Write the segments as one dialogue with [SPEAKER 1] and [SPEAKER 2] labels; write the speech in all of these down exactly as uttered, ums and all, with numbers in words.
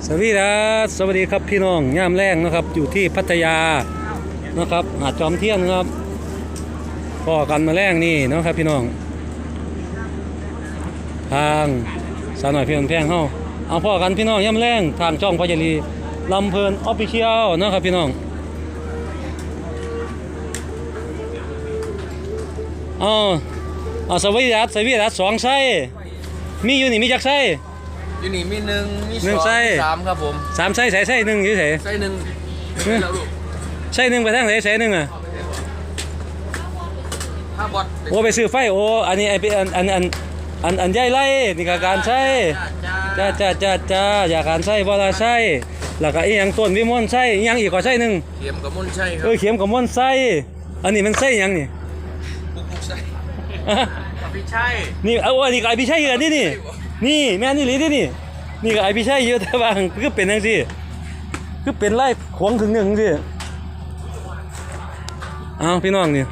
[SPEAKER 1] สวัสดีครับสวัสดีครับพี่น้องย่ามแรงนะครับอยู่ที่พัทยานะครับหาดจอมเทียนนะครับพ่อกันมาแรงนี่นะครับพี่น้องทางสาวหน่อยเพียงแพงเฮาเอาพ่อกันพี่น้องย่ามแรงทางช่องพญาลีลำเพลินออฟฟิเชียลนะครับพี่น้องอ๋อเอาสวีดัสสวีดัสสองไส้มีอยู่นี่มีจักไส้
[SPEAKER 2] อยู่นี่มีหนึ่งมีส
[SPEAKER 1] หนึ่
[SPEAKER 2] อง ง
[SPEAKER 1] ไส้
[SPEAKER 2] มีสามครับผม
[SPEAKER 1] สามไส้ใส่ไส้หนึ่งอยู่ไส
[SPEAKER 2] ไส้หนึ่งแล้วลูก
[SPEAKER 1] ไส้หนึ่งไปทางไหนไส้หนึ่งอ่ะ
[SPEAKER 2] ห้าบอท
[SPEAKER 1] โอ้ไปซื้อไฟโอ้อันนี้ไอเป็นอันอันอันอันอันใหญ่ไรนี่ก็การใช้จ้าจ้าจ้าจ้าอยากการใช้บ่ละใช้แล้วก็อีหยังต้นวิมลใช้อีหยังอีกก็ใช้หนึ่ง
[SPEAKER 2] เข็มกับมุ่นใช่ครั
[SPEAKER 1] เออเข็มกับมนใช้อันนี้มันใช้หยังนี่
[SPEAKER 2] ปุ๊กปุ๊กใช่พี่ใช่
[SPEAKER 1] นี่เอาอันนี้ก็ไอพี่ใช้เหรอนี่นี่นี่แม่นี่หรือนี่นี่นี่ก็ไอพี่ใช้เยอะแต่ว่าคือเป็นจังซี่คือเป็นไร่ขวงถึงหนึ่งสิเอาพี่น้องนี่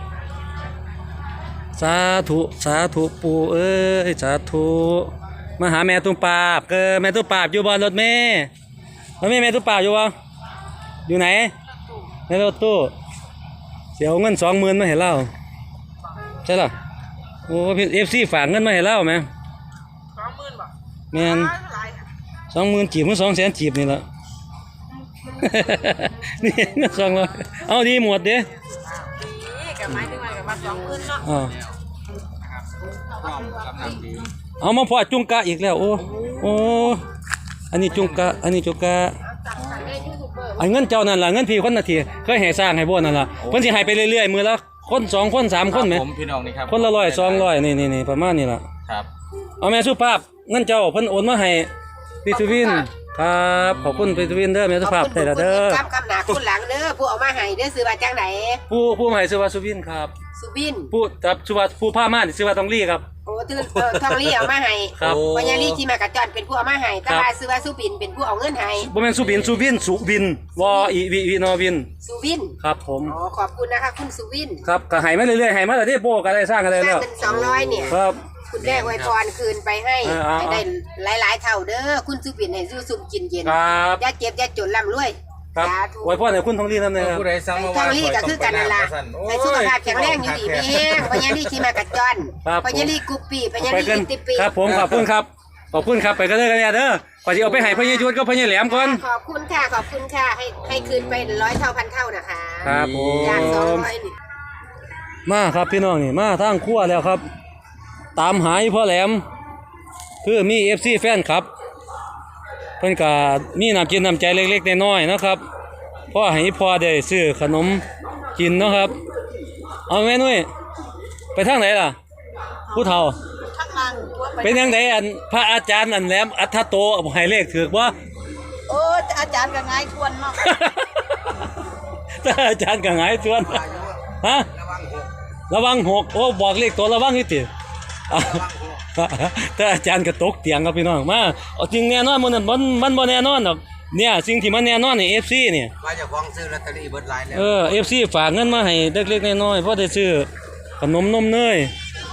[SPEAKER 1] สาธุสาธุปู่เอ้ยสาธุมาหาแม่ตุ้มปราบเกอแม่ตุ้มปราบอยู่บนรถเมล์รถเมล์แม่ตุ้มปราบอยู่วะอยู่ไหนในรถตู้เสียเงินสองหมื่นมาให้เล่าใช่หรอโอ้พี่เอฟซีฝากเงินมาให้เล่าไหมสองหมื่นบาทแม่นสองหมื่นจีบมันสองแสนจีบนี่แหละ นี่เงินสองร้อยเอาดีหมดเด้กับไม้ถึงไม้กับมาสองหมื่นเนาะเอามาพอจุงกะอีกแล้วโอ้โอ้อันนี้จุงกะอันนี้จุงกะไอ้เงินเจ้านั่นล่ะเงินพี่คนนาทีเคยให้สร้างให้บ่นั่นล่ะเพิ่นสิให้ไปเรื่อยๆมื้อละคนสองคนสามคนแหม
[SPEAKER 2] ผมพี่น้องนี่ครับ
[SPEAKER 1] คนละร้อยสองร้อยนี่นี่ๆประมาณนี้ล่ะ
[SPEAKER 2] ครับ
[SPEAKER 1] เอาแม่สุภาพเงินเจ้าเพิ่นโอนมาให้พี่สุวินครับขอบคุณพี่สุวินเด้อแม่สุภาพได้ละเด้อ
[SPEAKER 3] ครับคำหนาคุณหลังเด้อผู้เอามาให้เด้อซื้อมาจากไหน
[SPEAKER 1] ผู้ผู้ให้ชื่อว่าสุวินครับ
[SPEAKER 3] สุบิน
[SPEAKER 1] ผู้ครับชื่อว่าผู้พามานี่ชื่อว่าต้องลี่ครับ
[SPEAKER 3] โอ้ตื่นเออทองลี่เอามาให้
[SPEAKER 1] ครับ
[SPEAKER 3] ปัญญาลี่ที่มากระจอนเป็นผู้เอามาให้ตาลาซื้อว่าสุบินเป็นผู้เอาเงินให้
[SPEAKER 1] บ่แม่นสุบินสุวินสุวินวออีวิวินอวิน
[SPEAKER 3] สุบิน
[SPEAKER 1] ครับผม
[SPEAKER 3] อ๋อขอบคุณนะคะคุณสุวิน
[SPEAKER 1] ครับก็ให้มาเรื่อยๆให้มาแต่ที่โปก็ได้สร้างกันได้
[SPEAKER 3] สร้า
[SPEAKER 1] แล้
[SPEAKER 3] ง
[SPEAKER 1] ว
[SPEAKER 3] เป็นสองร้อยเนี่ย
[SPEAKER 1] ครับ
[SPEAKER 3] คุณแม่อวยพรคืนไปให้
[SPEAKER 1] เออเอา
[SPEAKER 3] ให้ได้หลายๆเท่าเด้อคุณสุบินให้สู้ซุ่มกินเย็น
[SPEAKER 1] ครับ
[SPEAKER 3] อย่าเจ็บอย่าจนร่ำรวย
[SPEAKER 1] ครับ
[SPEAKER 3] สาธุ
[SPEAKER 1] ไว้พ่อให้คุณทองลี่นำนะครับ
[SPEAKER 2] ผู้ใดสั่งมา
[SPEAKER 3] ทองลี่ก็คือกันนั่นล่ะให้สุขภาพแข็งแรงอยู่ดีมีแห้งปัญญาลี่ที่มากระจอน
[SPEAKER 1] ครับ
[SPEAKER 3] ปัญญาลี่กุปปี้ปัญญา
[SPEAKER 1] ไป
[SPEAKER 3] ลี่
[SPEAKER 1] กัน
[SPEAKER 3] อินติปี
[SPEAKER 1] ครับผมขอบคุณครับขอบคุณครับไปกันเลยกันเนี่ยเด้อก่อนจะเอาไปให้พ่อใหญ่ยุทธก็พ่อใหญ่แหลมก่อน
[SPEAKER 3] ขอบคุณค่ะขอบคุณค่ะให้ให้คืนไปร้อยเท่าพันเท่านะคะ
[SPEAKER 1] ครับผม
[SPEAKER 3] จากสองร้อยนี่
[SPEAKER 1] มาครับพี่น้องนี่มาทางครัวแล้วครับ ตามหาอีพ่อแหลมคือมี เอฟ ซี แฟนครับเพิ่นก็มีน้ำจิตน้ำใจเล็กๆน้อยๆนะครับพ่อให้พ่อได้ซื้อขนมกินเนาะครับเอาแม่นุ้ยไปทางไหนล่ะผู้เฒ่า
[SPEAKER 3] ข้างล่างตัวไป
[SPEAKER 1] เป็นยังไงอันพระอาจารย์อันแหลมอัทธโตให้เลขถือบ่
[SPEAKER 3] โอ้อาจารย์ก็ง่ายทวนเนาะ
[SPEAKER 1] ถ้าอาจารย์ก็หงายชวนฮะระวังหกโอ้บอกเลขตัวระวังนี่ติอ่ะถ้าอาจารย์ก็ตกเตียงครับพี่น้องมาเอาจริงแน่นอนมันมันมันบ่แน่นอนหรอกเนี่ยสิ่งที่มันแน่นอนนี่ เอฟ ซี เนี่ย
[SPEAKER 2] ว่าจะฟ้องซื้อลอตเตอรี่เบิดไลน์แล้ว
[SPEAKER 1] เออ เอฟ ซี ฝากเงินมาให้เล็กๆน้อยๆเพราะได้ซื้อขนมนมเนย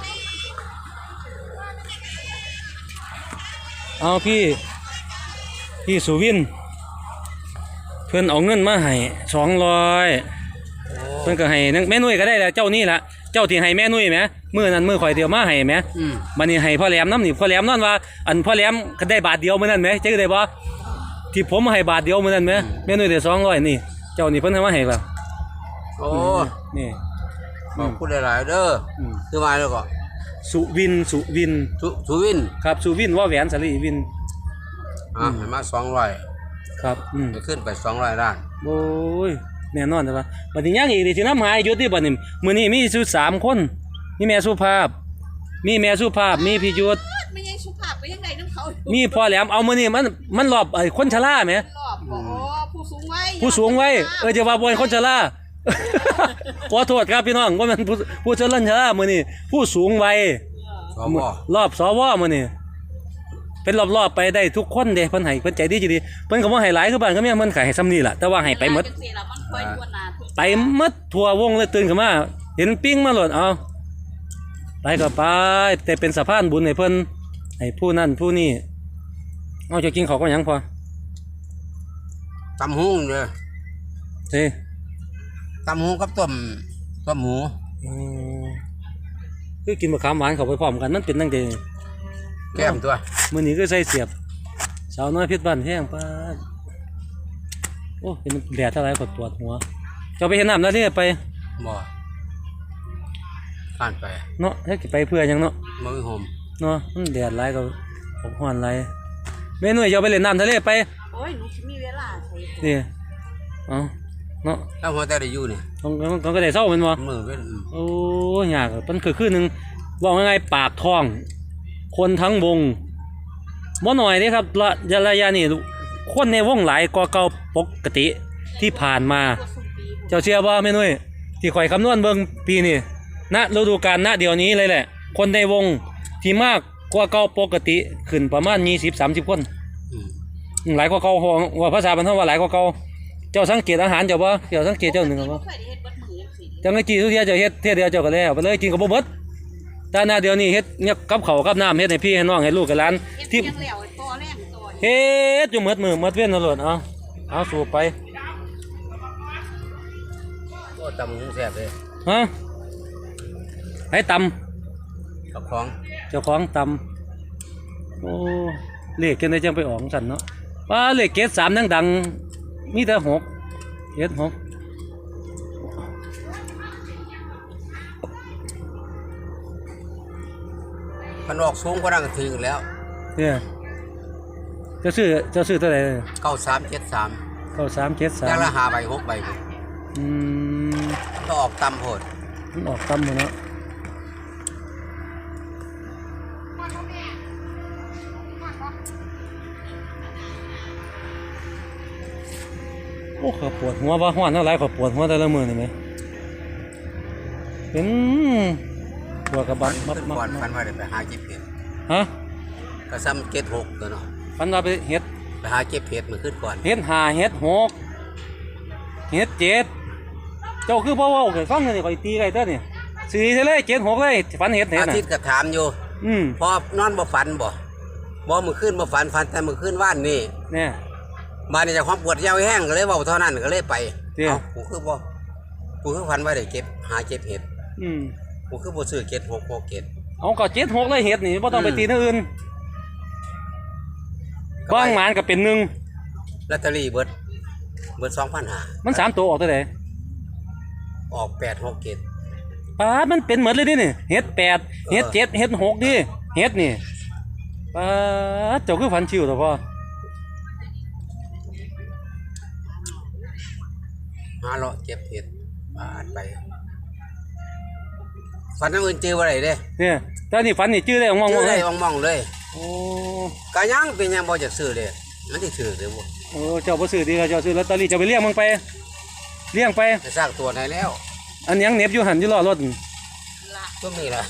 [SPEAKER 1] เอาพี่พี่สุวินเพิ่นเอาเงินมาให้สองร้อยเพิ่นก็ให้นั่งแม่นุ่ยก็ได้แหละเจ้านี่ล่ะเจ้าที่ให้แม่นุ่ยแหมมื้อนั้นมื้อข่อยเดียวมาให้แหมบัดนี้ให้พ่อแหลมนำนี่พ่อแหลมนอนว่าอันพ่อแหลมก็ได้บาทเดียวมื้อนั้นแหมจักได้บ่ที่ผมให้บาทเดียวมื้อนั้นแหมแม่นุ่ยได้สองร้อยนี่เจ้านี่เพิ่นให้มาให้ล่ะ
[SPEAKER 2] โอ้
[SPEAKER 1] นี่
[SPEAKER 2] ขอบคุณหลายๆเด้ออ
[SPEAKER 1] ม
[SPEAKER 2] ซื้อมาแล้วก็
[SPEAKER 1] สุวินสุวิน
[SPEAKER 2] สุสุวิน
[SPEAKER 1] ครับสุวินว่าแหวนสลีวิน
[SPEAKER 2] อ่ะให้มาสองร้อย
[SPEAKER 1] ครับอืม
[SPEAKER 2] จะขึ้นไปสองร้อยล้าน
[SPEAKER 1] โอ้ยแน่นอนแต่ว่าบัดนี้ยังอีกดิสิน้ำหายยุทธที่บัดนี้มื้อนี้มีสุสามคนมีแม่สุภาพ มีแม่สุภาพมีพี่ยุทธ
[SPEAKER 4] ไม่ยังสุภาพไปยังไงน้ำเขา
[SPEAKER 1] มีพ่อแหลมเอามื้อนี้มันมันรอบไอ้คนชราแหม
[SPEAKER 4] หลอบอ๋อผู้สูงวัย
[SPEAKER 1] ผู้สูงวัยเออจะว่าบ่เป็นคนชรา ขอโทษครับพี่น้องว่ามันผู้ผู้ชราชรามื้อนี้ผู้สูงวัย
[SPEAKER 2] สว
[SPEAKER 1] รอบสวมื้อนี้เป็นรอบๆไปได้ทุกคนเด้เพิ่นให้เพิ่นใจดีจิดีเพิ่นก็บ่ให้หลายคือบ้านก็มีเพิ่นก็ให้ซ้ำนี้ล่ะแต่ว่าให้ไปหมด
[SPEAKER 4] จังซี่ล่ะมันค่อยทั่วหน้าทั่ว
[SPEAKER 1] ไปหมดทั่ววงเลยตื่นขึ้นมาเห็นปิ้งมาโลดเอาไปก็ไปแต่เป็นสะพานบุญให้เพิ่นให้ผู้นั้นผู้นี้เอาจะกินข้าวก็หยังพอ
[SPEAKER 2] ตำหุ้งเลย
[SPEAKER 1] สิ
[SPEAKER 2] ตำหุ้งกับต้มต้มหมู
[SPEAKER 1] อืมคือกินมะขามหวานเข้าไปพร้อมกันมันเป็นจังได๋
[SPEAKER 2] แก้มตัว
[SPEAKER 1] มื้อนี้ก็ใส่เสียบสาวน้อยเพชรบ้านแห้งปาดโอ้เป็นแดดเท่าไหร่ก็ปวดหัวเจ้าไปเฮ็ดน้ำแล้วนี่ไป
[SPEAKER 2] บ่ผ่านไป
[SPEAKER 1] เนาะให้ไปเพื่อหยังเนาะ
[SPEAKER 2] มันไม่หอม
[SPEAKER 1] เนาะมันแดดหลายก็อบร้อนหลายแม่หนุ่ยเจ้าไปเล่นน้ำทะเลไป
[SPEAKER 4] โอ้ยหนูสิมีเวลาใส่
[SPEAKER 1] นี่เอ้าเนาะ
[SPEAKER 2] แล้วหัวแต่ได้อยู่นี่
[SPEAKER 1] ต้องต้องก็ได้เศร้าแม่นบ่
[SPEAKER 2] มือเป็นอืม
[SPEAKER 1] โอ้ยากอะมันคือคือหนึงบอกง่ายๆปากท้อง คนทั้งวงบ่หน่อยเด้ครับระยะระยะนี้คนในวงหลายกว่าเก่าปกติที่ผ่านมา
[SPEAKER 4] ตัวสุปี
[SPEAKER 1] เจ้าเชื่อบ่แม่นุ้ยที่ข่อยคำนวณเบิ่งปีนี้ณฤดูกาลณเดี๋ยวนี้เลยแหละ คนในวงที่มากกว่าเก่าปกติขึ้นประมาณยี่สิบ สามสิบคน
[SPEAKER 2] อืม
[SPEAKER 1] หลายกว่าเก่าว่าภาษาบรรเทาว่าหลายกว่าเก่าเจ้าสังเกตอาหารเจ้าบ่เจ้าสังเกตเจ้าหนึ่งบ่
[SPEAKER 4] บ่เคยได้เฮ็ดเบัดมือจังซี่
[SPEAKER 1] จังไงจีทุกเที่ยเจ้าเฮ็ดเที่ยเดียวเจ้าก็แล้วไปเลยกินกับบ่เบิดแต่หน้าเดี๋ยวนี้เฮ็ดเนี่ยกับข้าวกับน้ำเฮ็ดให้พี่ให้น้องให้ลูกให้หลาน
[SPEAKER 4] เฮ็ด
[SPEAKER 1] ที่
[SPEAKER 4] เพียงแล้วไอ้ตัวแรงตัวนี่
[SPEAKER 1] เฮ็ดอยู่หมดมือหมดเว้นตลอดเอาเอาสู่ไป
[SPEAKER 2] โอ้ตำหุ้งแซ่บเลย
[SPEAKER 1] ฮะให้ต
[SPEAKER 2] กับของ
[SPEAKER 1] ำเจ้าของตำโอ้เลขจังไดจังไปออกสั่นเนาะว่าเลขเกตสามดังๆมีแต่หกเกตหก
[SPEAKER 2] มันออกสูงกว่านั้นก็ถึงแล้ว
[SPEAKER 1] เนี่ยเจะซื้อเจะซื้อเท่าไหร่
[SPEAKER 2] เก้าสามเจ็ดสาม
[SPEAKER 1] เข้าสามเกตสา
[SPEAKER 2] แค่
[SPEAKER 1] ม
[SPEAKER 2] ละหาใบหกใบพุ่น
[SPEAKER 1] อืม
[SPEAKER 2] ต้องออกตำโหด
[SPEAKER 1] มันออกตำหมดเนาะโอ้ขอยปวดหัวว่าห้อนเท่าไรขอยปวดหัวแต่ละมือนี่ไหมเป็นปวดกระบั
[SPEAKER 2] ฟั
[SPEAKER 1] ด
[SPEAKER 2] น
[SPEAKER 1] มับ
[SPEAKER 2] ขึ้น
[SPEAKER 1] มับ
[SPEAKER 2] ก่อน
[SPEAKER 1] มั
[SPEAKER 2] ฟั
[SPEAKER 1] บ
[SPEAKER 2] นว่าได้ไปหาเก็บเห็ด
[SPEAKER 1] ฮะ
[SPEAKER 2] ก็ซ้ำเก็ดหกตัวเนาะ
[SPEAKER 1] ฟันว่าไปเฮ็ด
[SPEAKER 2] ไปหาเก็บเห็ดมาขึ้นก่อน
[SPEAKER 1] เฮ็ดห้าเฮ็ดหกเฮ็ดเจ็ดเจ้าคือพ่อว่าเคยฟังกันนี่ข่อยตีไก่เต้อนี่สี่เท่าไรเจ็ดหกเลยฟันเฮ็ดเฮ็ด
[SPEAKER 2] อา
[SPEAKER 1] น่ะ
[SPEAKER 2] ทิตย์ก็ถามอยู่
[SPEAKER 1] อืม
[SPEAKER 2] พอนอนบ่ฝันบ่บ่มือขึ้นบ่ฝันฝันแต่มือขึ้นว่านนี่
[SPEAKER 1] เนี่ย
[SPEAKER 2] บ้านนี้เจะความปวดยาวแห้งก็เลยเว้าเท่านั้นก็เลยไป
[SPEAKER 1] เตี้ย
[SPEAKER 2] เอ้ากูคือบ่กูคือฝันว่าได้เก็บหาเก็บเห็ด
[SPEAKER 1] อืม
[SPEAKER 2] กูคือบ่ซื้อเก็ดหกหกเก็ด
[SPEAKER 1] เอาก็เจ็ดหกเลยเฮ็ดนี่บ่ต้องไปตีเนื้ออื่นบางหมานก็เป็นหนึ่ง
[SPEAKER 2] ลอตเตอรี่เบิดเบิดสองพันห้า
[SPEAKER 1] มันสามตัวออกเท่าไหร่
[SPEAKER 2] ออกแปดหกเก็ด
[SPEAKER 1] ปาดมันเป็นเหมือนเลยดินี่เฮ็ดแปดเฮ็ดเจ็ดเฮ็ดหกดิเฮ็ดนี่ปาดเจ้าคือฝันชิวตัวพ่อ
[SPEAKER 2] หาเลาะเก็บเห็ดบาดไปฝันน้ำอื่นเจอว่าไรเด้
[SPEAKER 1] เนี่ยแต่นี่ฝันนี่ชื่อได้มอง
[SPEAKER 2] เจ
[SPEAKER 1] มอ
[SPEAKER 2] อง
[SPEAKER 1] เล
[SPEAKER 2] ได้
[SPEAKER 1] ย
[SPEAKER 2] มองๆเลย
[SPEAKER 1] โอ้
[SPEAKER 2] กะยังเป็นยังบ่จะซื้อเลยมันสิถือเลยบ่
[SPEAKER 1] โอ้เจ้าบ่ซื้อดีก็เจ้าซื้อลอตเตอรี่เจ้าไปเลี้ยงมันไปเลี้ยงไป
[SPEAKER 2] จะสร้างตัวไหนแล้ว
[SPEAKER 1] อันยังเหน็บอยู่หันอยู่ล้อรถ
[SPEAKER 4] ละ
[SPEAKER 2] ก็มีล่ะ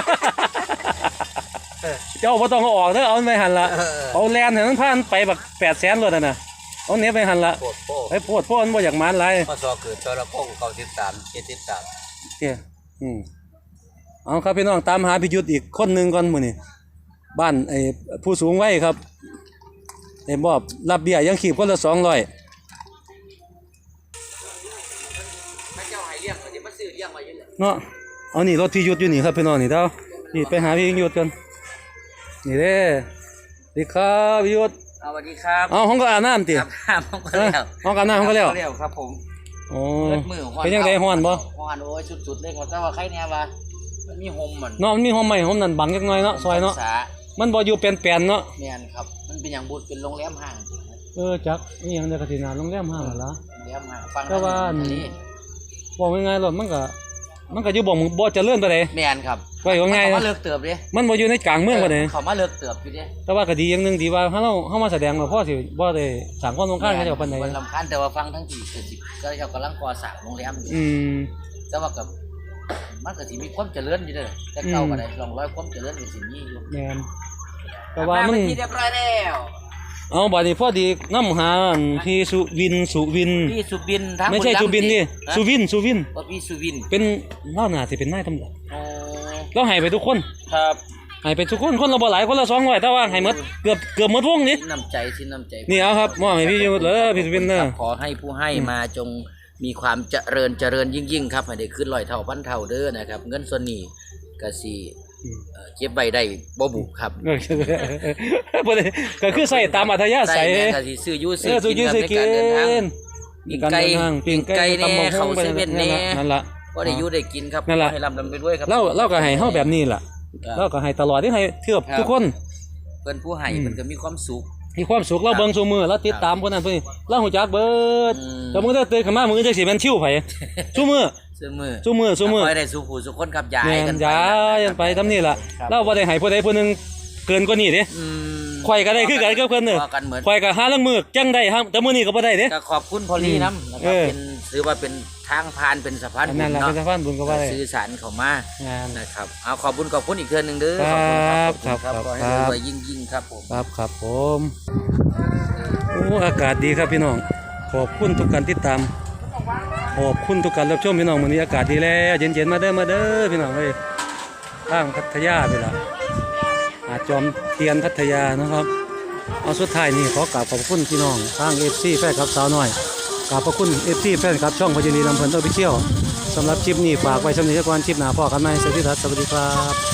[SPEAKER 1] เจ้าบ่ต้องเอาออกเด้อเอามันไปหันละ
[SPEAKER 2] เออ
[SPEAKER 1] เอาแลนให้มันผ่านไปบักแปดแสนรถน่ะนะเอาเหน็บไปหันละ
[SPEAKER 2] โคตรโป้
[SPEAKER 1] ไอ้โพดโพดมันบ่อยากหมานหลาย
[SPEAKER 2] พอสอเกิดตระพงเขาสิบสามเจ็ดสิบสาม
[SPEAKER 1] เจ้อืมเอาครับพี่น้องตามหาพิยุทธ์อีกคนหนึงก่อนมื้อนี้บ้านไอ้ผู้สูงวัยครับไอ้มอบรับเบี้ยยังขีบคนละสองร้อย
[SPEAKER 2] พระเจ้าให้เลี้ยงก็สิมาซื้อเลี้ยงไว้อยู่เนี่ย
[SPEAKER 1] เนาะเอานี่รถพิยุทธ์อยู่นี่ครับพี่น้องนี่เด้านี่ไปหาพี่ยุทธ์กันนี่เด้สวัสดีครับพิยุทธ์
[SPEAKER 5] สวัสดีครับ
[SPEAKER 1] เอาห้องก็อาบน้ำติ
[SPEAKER 5] ครับครับผมก็
[SPEAKER 1] เอ้ย
[SPEAKER 5] แล้ว
[SPEAKER 1] ห้องก็อาบน้ำห้องก็แล้ว
[SPEAKER 5] เร็วครับผม
[SPEAKER 1] โอ้
[SPEAKER 5] เลือดมือฮ้อน
[SPEAKER 1] เป็นยังไงฮ้อนบ่
[SPEAKER 5] ฮ้อนโอ้ยสุดๆเลยครับแต่ว่าใครเนี่ยว่ามันมีโฮมมัน
[SPEAKER 1] เนาะมันมีห้องใหม่ห้องนั้นบังจักหน่อยเนาะซอยเนาะ
[SPEAKER 5] สา
[SPEAKER 1] มันบ่อยู่เป็นแปลนเนาะ
[SPEAKER 5] แมนครับ มันเป็นอย่างบุญเป็นโรงแรมห้าง
[SPEAKER 1] เออจักนี่ยังได้กระถินหาโรงแรมห้างนั่นล่ะ
[SPEAKER 5] โรงแรมห้างฟัง
[SPEAKER 1] แต่ว่า
[SPEAKER 5] ทะเล
[SPEAKER 1] บอกง่ายๆรถมันก็มันก็อยู่บ่บ่เจริญปานใด
[SPEAKER 5] แมนครับ
[SPEAKER 1] ไว้ว่าง่าย
[SPEAKER 5] เขา
[SPEAKER 1] นะ
[SPEAKER 5] มาเลิกเติบดิ
[SPEAKER 1] มันบ่อยู่ในกลางเมืองปานใด
[SPEAKER 5] เขามาเลิกเติบอยู่ดิ
[SPEAKER 1] แต่ว่าก็ดีอย่างหนึงที่ว่าเฮาเฮามาแสดงแล้วพอสิบ่ได้สร้างความรำคาญให้เจ้าปานใด
[SPEAKER 5] มันลำคาญแต่ว่าฟังทั้งที่เกิดสิก็เขากำลังก่อสร้างโรงแรมอยู่
[SPEAKER 1] อืม
[SPEAKER 5] แต่ว่ากับมันก็สิมีความเจริญอยู่เด้อแต่เก่าก็ได้ลองร้อยความเจริญอยู่สิมีอยู่
[SPEAKER 1] แม่นแต่ว่ามัน
[SPEAKER 5] เป็นที่เรียบร้อยแล้ว
[SPEAKER 1] เอาบัดนี้พอดีนำหาอันพี่สุวินสุวิน
[SPEAKER 5] พี่สุบินทั้ง
[SPEAKER 1] ไม่ใช่
[SPEAKER 5] บุรีรั
[SPEAKER 1] สุบินนี่
[SPEAKER 5] ฮะ
[SPEAKER 1] สุวินสุวิน
[SPEAKER 5] ว่าพี่สุวิน
[SPEAKER 1] เป็นเล่าหน้าสิเป็นนายตำรวจ
[SPEAKER 5] โอ้
[SPEAKER 1] เราให้ไปทุกคน
[SPEAKER 5] ครับ
[SPEAKER 1] ให้ไปทุกคนคนละบ่หลายคนละสองร้อยแต่ว่าให้หมดเกือบเกือบหมดวงนี่
[SPEAKER 5] สิ้นน้ำใจสิ้นน้ำใจ
[SPEAKER 1] นี่เอาครับมอบให้พี่ยุทธเลยพี่สุวินเนอร์
[SPEAKER 5] ขอให้ผู้ให้มาจงมีความเจริญเจริญยิ่งยิ่งๆครับให้ได้ขึ้นร้อยเท่าพันเท่าเด้อนะครับ เงินส่วนนี้ก็สิเอ่อเก็บไว้ได้บ่บุครับ
[SPEAKER 1] เออบ่ได้ก็คือใส่ตามอัธยาศัย
[SPEAKER 5] แม่ก็สิซื้ออยู่
[SPEAKER 1] เอ
[SPEAKER 5] ซื้อ
[SPEAKER 1] อสุ
[SPEAKER 5] กิ
[SPEAKER 1] กี้
[SPEAKER 5] นครับ
[SPEAKER 1] สิ
[SPEAKER 5] ใน
[SPEAKER 1] กิ
[SPEAKER 5] การเดินทาง
[SPEAKER 1] น
[SPEAKER 5] ปิ้งไก่
[SPEAKER 1] ปิ้งไก่
[SPEAKER 5] ปิ้งไก่แน่
[SPEAKER 1] ตำบักหุ่ง
[SPEAKER 5] เข้าเซเว่นแน่
[SPEAKER 1] นั่นล่ะ
[SPEAKER 5] ก็ได้อยู่ได้กินครับ
[SPEAKER 1] นั่นล่ะ
[SPEAKER 5] ให้ร่ำรำไปด้วยครับ
[SPEAKER 1] เราเราก็ให้เฮาแบบนี้ล่ะเราก็ให้ตลอดที่ให้เทือบทุกคน
[SPEAKER 5] เพิ่นผู้ให้
[SPEAKER 1] อืม
[SPEAKER 5] เพิ่นก็มีความสุข
[SPEAKER 1] มีความสุขเราเบิ่งซุมือเราติดตามคนนั้นเพิ่นเราฮู้จักเบิด
[SPEAKER 5] อืม
[SPEAKER 1] แต่มึงได้ตื่นขึ้นมามึงจังสิแม่นชิวไผซุมือ
[SPEAKER 5] ซื้อมือ
[SPEAKER 1] ซุมือซุมือ
[SPEAKER 5] ขอให้ได้สู่ผู้สุขคนครับยาย
[SPEAKER 1] แม่
[SPEAKER 5] กัน น
[SPEAKER 1] ยายันไปทำนี่ล่ะ
[SPEAKER 5] ครับ
[SPEAKER 1] เราบ่ได้ให้ผู้ใดผู้หนึงเกินกว่านี้เด้
[SPEAKER 5] อืม
[SPEAKER 1] ข่อยก็ได้คือกันกับเพิ่นเด้อ
[SPEAKER 5] ว่ากันเหมือน
[SPEAKER 1] ข่อยก็หาลังมือจังได้ฮะแต่มื้อนี้ก็บ่ได้เด้
[SPEAKER 5] ก็ขอบคุณพอลลี่น้ำนะค
[SPEAKER 1] เอ
[SPEAKER 5] รับ
[SPEAKER 1] อ
[SPEAKER 5] เป็นถือว่าเป็นทางผ่านเป็นสะพาน
[SPEAKER 1] อัน
[SPEAKER 5] บุ
[SPEAKER 1] นั้น
[SPEAKER 5] ญ
[SPEAKER 1] ล่ะ
[SPEAKER 5] เนาะ
[SPEAKER 1] เป็นสะพานบุญก็ว่าได้
[SPEAKER 5] สื่อสารเข้ามาง
[SPEAKER 1] าน
[SPEAKER 5] นะครับเอาขอบคุณขอบคุณอีกเทื่อหนึงเด้อ
[SPEAKER 1] ครับ
[SPEAKER 5] ขอบคุณครับ
[SPEAKER 1] ครับ
[SPEAKER 5] ขอให้
[SPEAKER 1] ครับ
[SPEAKER 5] รวยยิ่งยิ่งๆครับผม
[SPEAKER 1] ครับครับผมโอ้อากาศดีครับพี่น้องขอบคุณทุกการติดตามขอบคุณทุกการรับชมพี่น้องมื้อนี้อากาศดีแล้วเย็นๆมาเด้อมาเด้อพี่น้องเอ้ยทางพัทยาไปละหาดจอมเทียนพัทยานะครับเอาสุดท้ายนี่ขอกราบขอบคุณพี่น้องทาง เอฟ ซี แฟนคลับสาวน้อยกราบขอบคุณ เอฟ ซี แฟนคลับช่องพญานีลำเพลินออฟฟิเชียลสำหรับคลิปนี้ฝากไว้สำหรับนิทรรศการคลิปหน้าพ่อกันใหม่สวัสดีครับสวัสดีครับ